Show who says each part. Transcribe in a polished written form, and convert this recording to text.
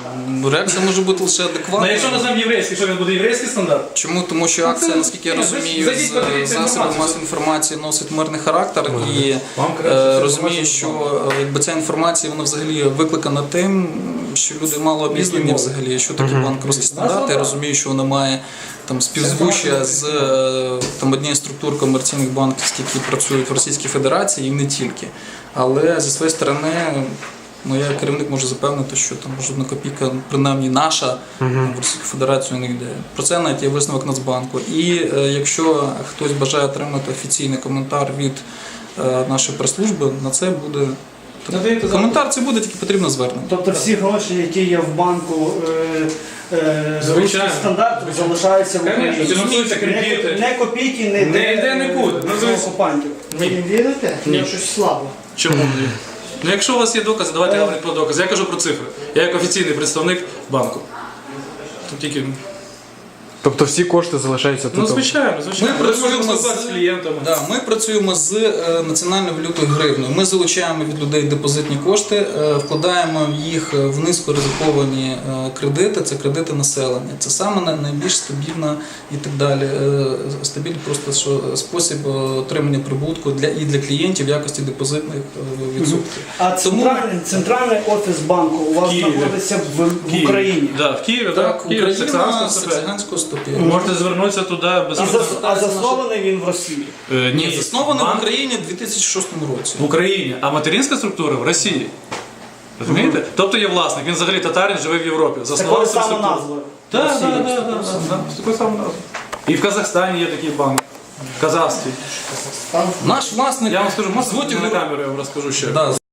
Speaker 1: Реакція може бути лише адекватна.
Speaker 2: Ну якщо назвемо єврейський, що він буде єврейський стандарт?
Speaker 1: Чому? Тому що акція, наскільки я розумію, з засобів масової інформації носить мирний характер і розумію, що якби ця інформація вона взагалі викликана тим, що люди мало обізнані взагалі, що таке банківські стандарти. Я розумію, що вона має там співзвуччя з там однієї структур комерційних банківських, які працюють в Російській Федерації і не тільки. Але зі своєї сторони, ну, я як керівник можу запевнити, що там жодна копійка, принаймні наша, в Російську Федерацію не йде. Про це навіть є висновок Нацбанку. І якщо хтось бажає отримати офіційний коментар від нашої прес-служби, на це буде коментар, це буде, тільки потрібно звернення.
Speaker 3: Тобто всі гроші, які є в банку, русський стандарт залишаються в Україні.
Speaker 2: Фінансуються кредити.
Speaker 3: Не копійки,
Speaker 2: Не йде нікуди.
Speaker 3: окупантів. Ви їм вірите? Ні. Щось слабо.
Speaker 2: Чому ні? Ну якщо у вас є докази, давайте говорити про докази. Я кажу про цифри. Я як офіційний представник банку. Тут тільки...
Speaker 4: Тобто всі кошти залишаються тут?
Speaker 2: Ну звичайно, звичайно.
Speaker 1: Ми працюємо
Speaker 2: з клієнтами.
Speaker 1: Ми працюємо з національною валютою гривнею. Ми залучаємо від людей депозитні кошти, вкладаємо їх в низько ризиковані кредити, це кредити населення. Це саме найбільш стабільна і так далі. Стабільний просто спосіб отримання прибутку і для клієнтів в якості депозитних відсотків.
Speaker 3: А центральний офіс банку у вас знаходиться в Україні?
Speaker 2: Так, в Києві,
Speaker 1: Так, Україна,
Speaker 2: себе.
Speaker 1: Саксаганського стопі.
Speaker 2: Можете звернутися туди без...
Speaker 3: А заснований він в Росії?
Speaker 1: Ні, заснований в Україні в 2006 році.
Speaker 2: В Україні, а материнська структура в Росії. Розумієте? Тобто є власник, він взагалі татарин, живе в Європі.
Speaker 3: Такою самою назвою?
Speaker 2: Так, з такою самою назвою. І в Казахстані є такий банк. Казахський.
Speaker 1: Наш власник,
Speaker 2: Я вам скажу,
Speaker 1: звуть
Speaker 2: на
Speaker 1: його-
Speaker 2: камеру я вам розкажу ще.
Speaker 1: Да,